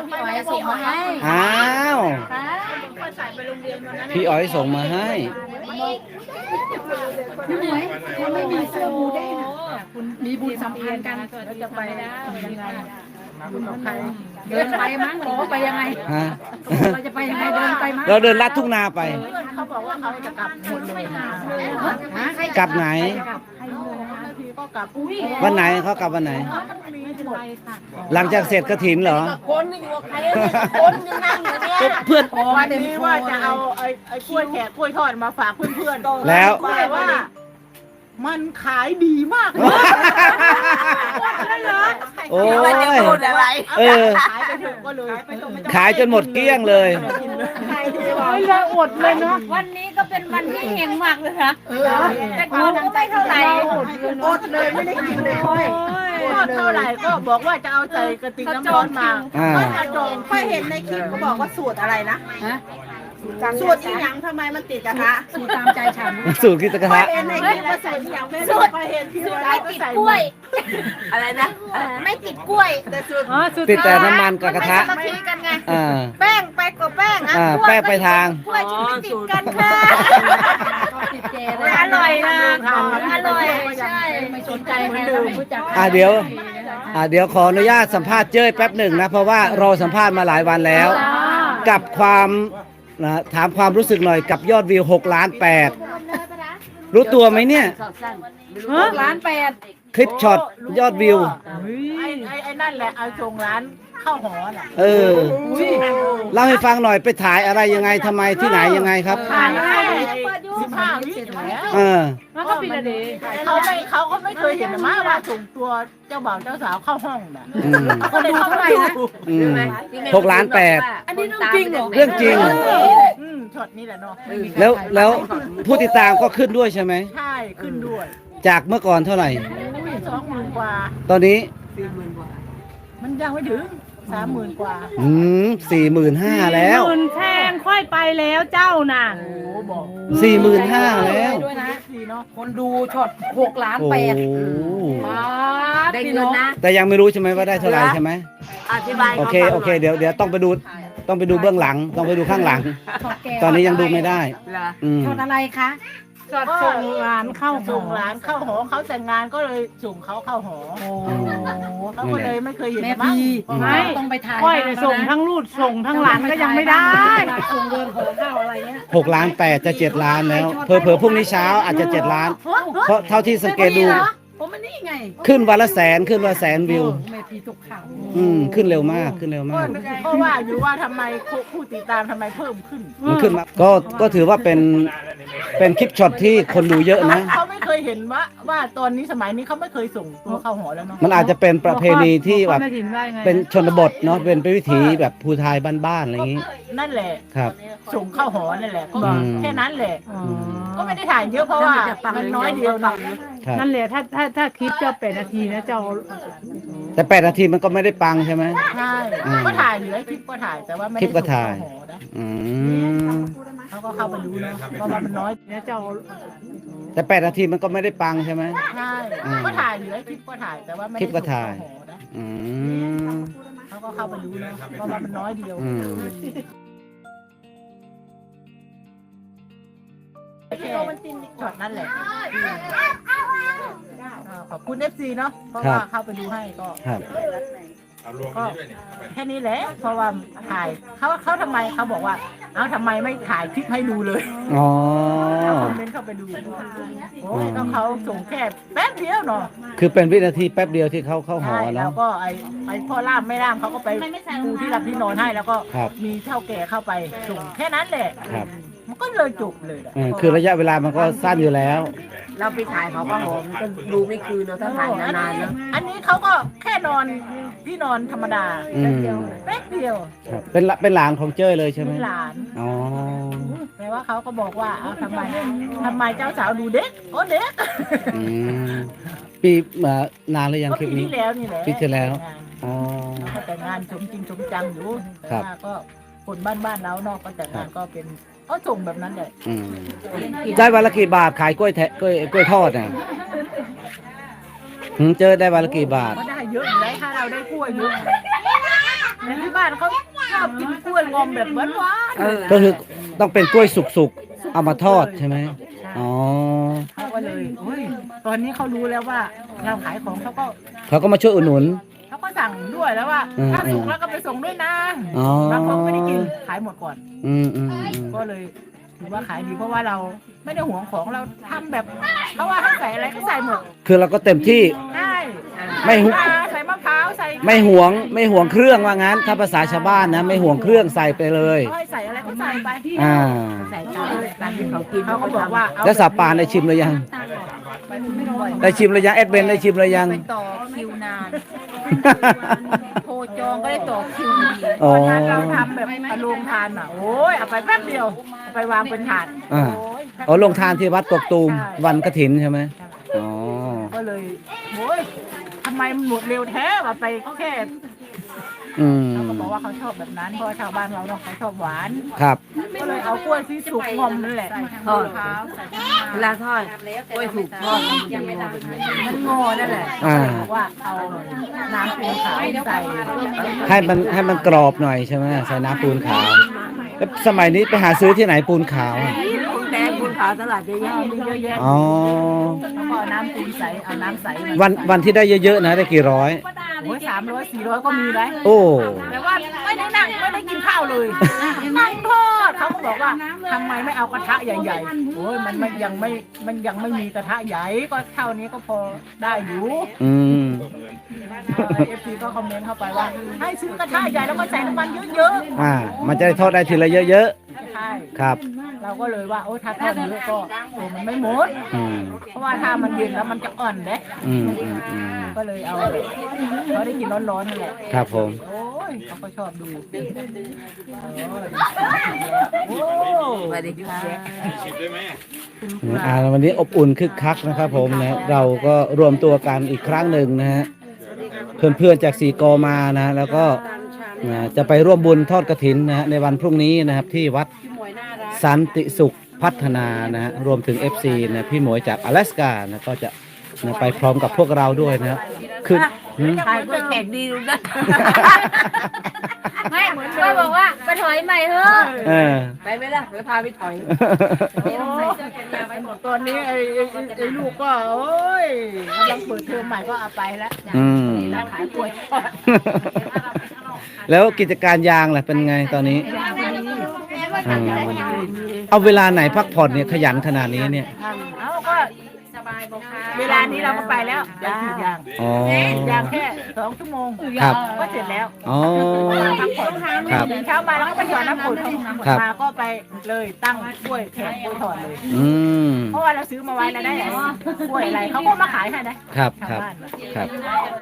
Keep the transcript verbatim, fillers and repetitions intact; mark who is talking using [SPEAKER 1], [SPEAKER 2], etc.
[SPEAKER 1] พี่อ๋อยส่งมาให้
[SPEAKER 2] อ้าว
[SPEAKER 3] ใส่ไปโรงเรียนวันนั้น
[SPEAKER 2] พี่อ๋อยส่งมาให้
[SPEAKER 1] พี่หมวยยังไม่มีเสื้อหมูเด้งอ่ะมีบุญสัมพันธ์กันเราจะไปยังไงบุญของใครเดินไปมั้งหรือว่าไปยังไง
[SPEAKER 2] ฮะ
[SPEAKER 1] เราจะไปยังไงเดินไปมั้ง
[SPEAKER 2] เราเดินลัดทุ่งนาไป
[SPEAKER 3] เขาบอกว่าเขาจะกลับหมดเลยนะ
[SPEAKER 2] กลับไหน
[SPEAKER 3] ทีก็กลับ
[SPEAKER 2] วันไหนเขากลับวันไหน หลังจากเสร็จกฐินเหรอ
[SPEAKER 3] คนนี่อยู่กับใครคนยังนั่งอยู่เนี่ย
[SPEAKER 2] เพื่อน
[SPEAKER 3] วันนี้ว่าจะเอาไอ้ไอ้กล้วยแขกกล้วยทอดมาฝากเพื่อนๆ
[SPEAKER 2] แล้ว
[SPEAKER 3] แต่ว่า มันขายดีมากเลย
[SPEAKER 2] โอ้ย
[SPEAKER 3] อะไร
[SPEAKER 2] เออ
[SPEAKER 3] ขายไปถึงก็เลย
[SPEAKER 2] ขายจนหมดเกลี้ยงเลย
[SPEAKER 3] ไม่ละอดเลยเนาะ
[SPEAKER 1] วันนี้ก็เป็นวันที่เฮงมากเลยนะแต่ก่อนก็ไม่เท่าไหร่
[SPEAKER 3] อดเลยไม่ได้กินเลยทอดเท่าไหร่ก็บอกว่าจะเอาใส่กระติกน้ำร้อนมา
[SPEAKER 2] อ่า
[SPEAKER 3] ก็กระจงค่อยเห็นในคลิปเขาบอกว่าสูตรอะไรนะสูตรที่ยังทำไมมันติดกระทะ
[SPEAKER 1] สูตรตามใจฉัน
[SPEAKER 2] สูตรกิตกระทะ
[SPEAKER 3] เห็นในคลิปว่าสูตรที่ยังไม่สูตรเห็นที่
[SPEAKER 1] สูตร
[SPEAKER 3] ร้า
[SPEAKER 1] ไม่
[SPEAKER 3] นก็
[SPEAKER 1] ติด
[SPEAKER 3] ใส่
[SPEAKER 1] กล้วย
[SPEAKER 3] อะไรนะ
[SPEAKER 1] ไม่ติดกล้วย
[SPEAKER 3] แต่สูตร
[SPEAKER 2] ติดแต่น้ำมันกับกระทะ
[SPEAKER 1] มันไม่สามัคคีกันไง
[SPEAKER 2] อ่า
[SPEAKER 1] แป้งไปกับแป้ง
[SPEAKER 2] อ่าแป้งไปทาง
[SPEAKER 1] กล้วยฉันไม่ติดกันค่ะอร่อยนะอร่อยใช่ไม่สนใจใครเราไม่รู้จัก
[SPEAKER 2] อ่าเดี๋ยว อ่าเดี๋ยวขออนุญาตสัมภาษณ์เจ้ยแป๊บหนึ่งนะ เพราะว่ารอสัมภาษณ์มาหลายวันแล้ว กับความนะถามความรู้สึกหน่อยกับยอดวิวหกล้านแปดรู้ตัวไหมเนี่ย
[SPEAKER 1] ร้านแปด
[SPEAKER 2] คลิปช็อตยอดวิว
[SPEAKER 3] ไอ้ไอ้ไอ้นั่นแหละเอาส่งร้านข้าวหอน่ะ
[SPEAKER 2] เออเล่าให้ฟังหน่อยไปถ่ายอะไรยังไงทำไมที่ไหนยังไงครับ
[SPEAKER 3] ผ่านได้สิบห้าวิแล้ว
[SPEAKER 2] เออ
[SPEAKER 3] มันก็ปีละเดย์เขาไม่เขาก็ไม่เคยเห็นมาว่าส่งตัวเจ้าบ่าวเจ้าสาวเข้าห้องน่ะ
[SPEAKER 2] อืม
[SPEAKER 3] ก็เลยเข้าไปนะ
[SPEAKER 2] อืมหกล้านแปด
[SPEAKER 1] อันนี้เรื่องจริงเหรอ
[SPEAKER 2] เรื่องจริง
[SPEAKER 3] อืมช็อตนี้แหละเนาะ
[SPEAKER 2] แล้วแล้วผู้ติดตามก็ขึ้นด้วยใช่ไหม
[SPEAKER 3] ใช่ขึ้นด้วย
[SPEAKER 2] จากเมื่อก่อนเท่าไหร่
[SPEAKER 3] สองหมื่นกว่า
[SPEAKER 2] ตอนนี้
[SPEAKER 3] มันยังไม่ถึงสามหมื่นกว่า
[SPEAKER 2] อืมสี่หมื่นห้าแล้ว
[SPEAKER 4] หมื่นแทงค่อยไปแล้วเจ้าน่ะ
[SPEAKER 3] โอ้บอก
[SPEAKER 2] สี่หมื่นห้าแล้ว
[SPEAKER 1] ด้วยนะ
[SPEAKER 3] ดีเนาะ
[SPEAKER 1] คนดูช็อตหกล้าน
[SPEAKER 2] โอ้
[SPEAKER 1] แปด
[SPEAKER 2] โห
[SPEAKER 1] ได้เงินนะ
[SPEAKER 2] แต่ยังไม่รู้ใช่ไหมว่าได้เท่าไหร่ใช่ไหม
[SPEAKER 3] อธิบาย
[SPEAKER 2] โอเคโอเคเดี๋ยวเดี๋ยวต้องไปดูต้องไปดูเบื้องหลัง ต้องไปดูข้างหลัง
[SPEAKER 1] ช็อตแก
[SPEAKER 2] ตอนนี้ยังดูไม่ได้ อืม
[SPEAKER 1] ช็อตอะไรคะ
[SPEAKER 3] ก็ส่งร้านเข้าส่งร้านเข้าหอเขาแต่งงานก็เลยส่งเขาเข้าหอ
[SPEAKER 1] โอ้
[SPEAKER 3] เขาก็เลยไม่เคยเห็น
[SPEAKER 1] แม่
[SPEAKER 3] มั้ง
[SPEAKER 1] พี
[SPEAKER 4] ไม่
[SPEAKER 1] ต้องไปถ่าย
[SPEAKER 4] ค่อยเลยส่งทั้งรูดส่งทั้งหลานก็ยังไม่ได้
[SPEAKER 1] ส่งเดินขอข้าวอะไรเงี้ย
[SPEAKER 2] หกล้านแปดจะเจ็ดล้านแล้วเผลอเผลอๆพรุ่งนี้เช้าอาจจะเจ็ดล้าน เพราะเท่าที่สังเกตดู
[SPEAKER 1] ผมมันนี่ไง
[SPEAKER 2] ขึ้นวันละแสนขึ้นวันละแสนวิว
[SPEAKER 1] แม่พีตกข่าว
[SPEAKER 2] อืมขึ้นเร็วมากขึ้นเร็ว
[SPEAKER 3] ก็
[SPEAKER 2] มาก
[SPEAKER 3] ก็ว่าอยู่ว่าทำไมผู้ติดตามทำไมเพิ่มขึ้น
[SPEAKER 2] มันขึ้นมาก็ก็ถือว่าเป็นเป็นคลิปช็อตที่คนดูเยอะนะ
[SPEAKER 3] เขาไม่เคยเห็นว่าว่าตอนนี้สมัยนี้เขาไม่เคยส่งตัวเข้าหอแล้วเนาะ
[SPEAKER 2] มันอาจจะเป็นประเพณีที่แบบ
[SPEAKER 4] ไม่ถิ่นได้ไง
[SPEAKER 2] เป็นชนบทเนาะเป็นวิถีแบบภูไทยบ้านๆอะไรอย่างนี้
[SPEAKER 3] นั่นแหละ
[SPEAKER 2] ครับ
[SPEAKER 3] ส่งเข้าหอนั่นแหละก็
[SPEAKER 2] อืม
[SPEAKER 3] แค่นั้นแหละ
[SPEAKER 4] อ๋อ
[SPEAKER 3] ก็ไม่ได้ถ่ายเยอะเพราะว่ามันน้อยเดียวเนาะ
[SPEAKER 2] ครับ
[SPEAKER 4] นั่นแหละถ้าถ้าถ้าคลิปเจ้าแปดนาทีนะเจ้า
[SPEAKER 2] แต่แปดนาทีมันก็ไม่ได้ปังใช่ไหม
[SPEAKER 3] ใช่
[SPEAKER 2] อืม
[SPEAKER 3] ก็ถ่ายเหลือคลิปก็ถ่ายแต่ว่าไม่
[SPEAKER 2] คลิ
[SPEAKER 3] ได้
[SPEAKER 2] ปก็ถ่าย
[SPEAKER 3] ส่งเข้หอนะ
[SPEAKER 2] อืม
[SPEAKER 3] เขาก็เข้าไปดูเนาะเพราะว่ามันน้อย
[SPEAKER 4] นะเจ้า
[SPEAKER 2] แต่แปดนาทีมันก็ไม่ได้ปังใช่ไหม
[SPEAKER 3] ใช่
[SPEAKER 2] อืม
[SPEAKER 3] ก็ถ่ายเหลือคลิปก็ถ่ายแต่ว่าไม่
[SPEAKER 2] คลิ
[SPEAKER 3] ได้
[SPEAKER 2] ปก็
[SPEAKER 3] ส่ง
[SPEAKER 2] ถ่าย
[SPEAKER 3] เข้าหอนะ
[SPEAKER 2] อืม
[SPEAKER 3] เขาก็เข้าไปดูเนาะเพราะว่ามันน้อยเดียว
[SPEAKER 2] อืม
[SPEAKER 3] แค่ช็อตนั่นแหละอ่าขอบคุณเอฟซีเนาะเพราะว่าเข้าไปดูให้ก็
[SPEAKER 2] ครับ
[SPEAKER 3] ก็แค่นี้แหละเพราะว่าถ่ายเขาเขาทำไมเขาบอกว่าเอ้าทำไมไม่ถ่ายคลิปให้ดูเลย
[SPEAKER 2] อ๋อ
[SPEAKER 3] คอมเมนต์เข้าไปดูโอ้ยก็เขาส่งแค่แป๊บเดียวเนาะ
[SPEAKER 2] คือเป็นวินาทีแป๊บเดียวที่เขาเข้าหอ
[SPEAKER 3] ใช่แล้
[SPEAKER 2] เนาะ
[SPEAKER 3] วก็ไอ้ไอ้พ่อล่ามไม่ล่ามเขาก็ไปปูที่รับที่นอนให้แล้วก็
[SPEAKER 2] ครับ
[SPEAKER 3] มีเท่าแก่เข้าไปส่งแค่นั้นแหละ
[SPEAKER 2] ครับ
[SPEAKER 3] มันก็เลยจบเลยอะ
[SPEAKER 2] เออคือระยะเวลามันก็สั้นอยู่แล้ว
[SPEAKER 5] เราไปถ่ายเขาก็หอมก็ดูไม่คืนเนาะถ้าถ่ายนานๆเนาะ
[SPEAKER 3] อันนี้เขาก็แค่นอนที่นอนธรรมดา
[SPEAKER 2] อืม
[SPEAKER 3] แป๊บเดียว
[SPEAKER 2] ครับเป็นละเป็นหลานของเจ้ยเลยใช่ไหม
[SPEAKER 3] เป็นหลาน
[SPEAKER 2] อ๋อ
[SPEAKER 3] แต่ว่าเขาก็บอกว่าเอาทำไมทำไมเจ้าสาวดูเด็กโอ้เด็ก
[SPEAKER 2] อืมปีเอ่อนานหรือยัง
[SPEAKER 3] ก็
[SPEAKER 2] คลิป
[SPEAKER 3] ปี
[SPEAKER 2] นี้
[SPEAKER 3] ที่แล้วนี่แหละ
[SPEAKER 2] ปีที่แล้ว อ๋อ
[SPEAKER 3] เขาก็แต่งงานสมจริงสมจังอยู่
[SPEAKER 2] ครับ
[SPEAKER 3] แต่ว่าก็คนบ้านบ้านๆเราเนอกก็แต่งงานก็เป็นเขาส่งแบบนั้นแหละ
[SPEAKER 2] อืมได้วันละกี่บาทขายกล้วยแทะกล้วยกล้วยทอดเนี่ยหืมเจอได้วันละกี่บาท
[SPEAKER 3] ก็ได้เยอะอยู่แล้วถ้าเราได้กล้วยเยอะแต่ที่บ้านบ้านเขาชอบกินกล้วยงอมแบบหวาน
[SPEAKER 5] เออ
[SPEAKER 2] ก็คือต้องเป็นกล้วยสุกๆ เอามาทอดใช่ไหมอ๋อ
[SPEAKER 3] ๆเขาก็เลยโอ้ยตอนนี้เขารู้แล้วว่าเราขายของเขาก็
[SPEAKER 2] เขาก็มาช่วยอุดหนุน
[SPEAKER 3] เขาก็สั่งด้วยแล้วว่า
[SPEAKER 2] อืม
[SPEAKER 3] ถ้าสุกแล้วก็ไปส่งด้วยนะ
[SPEAKER 2] อ๋อบ
[SPEAKER 3] างคนไม่ได้กินขายหมดก่อน
[SPEAKER 2] อืมอืมอืม
[SPEAKER 3] ก็เลยถือว่าขายดีเพราะว่าเราไม่ได้หวงของเราทำแบบเขาว่าให้ใส่อะไรก็ใส่หมด
[SPEAKER 2] คือเราก็เต็มที่
[SPEAKER 3] ได้
[SPEAKER 2] ไม่หุ
[SPEAKER 3] ใส่มะพร้าวใส่
[SPEAKER 2] ไม่หวงไม่หวงเครื่องว่างั้น ถ้าภาษาชาวบ้านนะ ไม่หวงเครื่องใส่ไปเลย
[SPEAKER 3] เขาให้ใส่อะไรก็ใส่ไป
[SPEAKER 2] อ่า
[SPEAKER 3] ใส่ตามตามที่เขากินเขาก็บอกว่าเอา
[SPEAKER 2] แล้วสาปานได้ชิมหรือยัง ได้ชิมหรือยังเอ็ดเบนได้ชิมหรือยัง
[SPEAKER 1] ไปต่อคิวนานโทรจองก็ได้ต่อคิวดี
[SPEAKER 2] อ๋อ
[SPEAKER 3] ตอนนั้นเราทำแบบอารมณ์ทานอ่ะโอ้ยเอาไปแป๊บเดียวเอาไปวางเป็นถาด
[SPEAKER 2] อ่า
[SPEAKER 3] โอ้ย
[SPEAKER 2] อ๋อลงทานที่วัดกกตูมวันกฐินใช่ไหมอ๋อ
[SPEAKER 3] ก็เลยโอ้ยทำไมมันหมดเร็วแท้ว่าไปแค่
[SPEAKER 2] อืม
[SPEAKER 3] เขาก็บอกว่าเขาชอบแบบนั้นเพราะว่าชาวบ้านเราเนาะเขาชอบหวาน
[SPEAKER 2] ครับ
[SPEAKER 3] ก็เลยเอากล้วยที่สุกงอมนั่นแหละ
[SPEAKER 5] ทอด
[SPEAKER 3] มะพร้าวใส่
[SPEAKER 5] เวลาทอดกล้วยถูกทอดมันจะงอแบบนี้
[SPEAKER 3] มันงอนั่นแหละ
[SPEAKER 2] อ่า
[SPEAKER 3] บอกว่าเอาน้ำปูนขาวใส่
[SPEAKER 2] ให้มันให้มันกรอบหน่อยใช่ไหมใส่น้ำปูนขาวแล้วสมัยนี้ไปหาซื้อที่ไหนปูนขาวอะ
[SPEAKER 5] ปูนแดงปูนขาวตลาดเยอะแยะ
[SPEAKER 3] มีเยอะแยะ
[SPEAKER 2] อ๋อ
[SPEAKER 3] แล้วก็เอาน้ำปูนใสเอาน้ำใส
[SPEAKER 2] วันวันที่ได้เยอะๆนะได้กี่ร้อย
[SPEAKER 3] โอ้ยสามร้อยสี่ร้อยก็มีเลย
[SPEAKER 2] โอ้
[SPEAKER 3] แต่ว่าไม่ได้นั่งไม่ได้กินข้าวเลยนั่งทอดเขาก็บอกว่าทำไมไม่เอากระทะใหญ่ๆโอ้ยมันมันยังไม่มันยังไม่มีกระทะใหญ่ก็เท่านี้ก็พอได้อยู่
[SPEAKER 2] อืม
[SPEAKER 3] เอฟซีก็คอมเมนต์เข้าไปว่า ให้ซื้อกระทะใหญ่แล้วก็ใส่น้ำมันเยอะ
[SPEAKER 2] อ่า มันจะได้ทอดได้ทีละเยอะ
[SPEAKER 3] ๆใช่
[SPEAKER 2] ๆ ครับ
[SPEAKER 3] เราก็เลยว่าโอ้ถ้าทอดเยอะก็โอ้มันไม่หมด
[SPEAKER 2] อืม
[SPEAKER 3] เพราะว่าถ้ามันเย็นแล้วมันจะอ่อนเด้
[SPEAKER 2] อืมอืมอืม
[SPEAKER 3] ก็เลยเอาเขาได้กินร้อนๆนั่นแหละ
[SPEAKER 2] ครับผม
[SPEAKER 3] โอ้ยเขาก็ชอบดูโอ้ย
[SPEAKER 5] ไม่ได้ยุ่งแยะ
[SPEAKER 2] อ่าวันนี้อบอุ่นคึกคักนะครับผมนะเราก็รวมตัวกันอีกครั้งหนึ่งนะฮะเพื่อนๆจากสีกอมานะแล้วก็นะจะไปร่วมบุญทอดกฐินนะฮะในวันพรุ่งนี้นะครับที่วัดสันติสุขพัฒนานะฮะรวมถึง เอฟ ซี นะพี่หมวยจาก阿拉斯กานะก็จะนะไปพร้อมกับพวกเราด้วยนะครับคือหืม
[SPEAKER 5] ขายกล้วยแขกดีดูนะ
[SPEAKER 1] ไม่ก็บอกว่าไปถอยใหม่เถอะ
[SPEAKER 2] เออ
[SPEAKER 5] ไปไหมล่ะไปพาไปถอย
[SPEAKER 3] ตอนนี้ไอ้ไอ้ไอ้ลูกก็โอ้ยกำลังเปิดเทอมใหม่ก็เอาไปแล้ว
[SPEAKER 2] อืม
[SPEAKER 3] ร้านขายกล้วยทอด
[SPEAKER 2] แล้วกิจการยางล่ะเป็นไงตอนนี้อืมเอาเวลาไหนพักผ่อนเนี่ยขยันขนาดนี้เนี่ย
[SPEAKER 3] เอาก็เวลานี้เราก็ไปแล้วยางขีดยาง
[SPEAKER 2] อ๋อ
[SPEAKER 3] ยางแค่สองชั่วโมง
[SPEAKER 2] ครับ
[SPEAKER 3] ก็เสร็จแล้ว
[SPEAKER 2] อ๋อ
[SPEAKER 3] พักผ่อน
[SPEAKER 2] ครับ
[SPEAKER 3] ตื่นเช้ามาแล้วก็ไปหยอดน้ำฝน
[SPEAKER 2] ครับ
[SPEAKER 3] มาก็ไปเลยตั้งกล้วยแขกกล้วยทอดเลย
[SPEAKER 2] อืม
[SPEAKER 3] เพราะว่าเราซื้อมาไว้แล้วได้กล้วยอะไรเขาก็มาขายให้นะครับ ชาว
[SPEAKER 2] ครับ
[SPEAKER 3] บ้านน่ะ
[SPEAKER 2] ครับ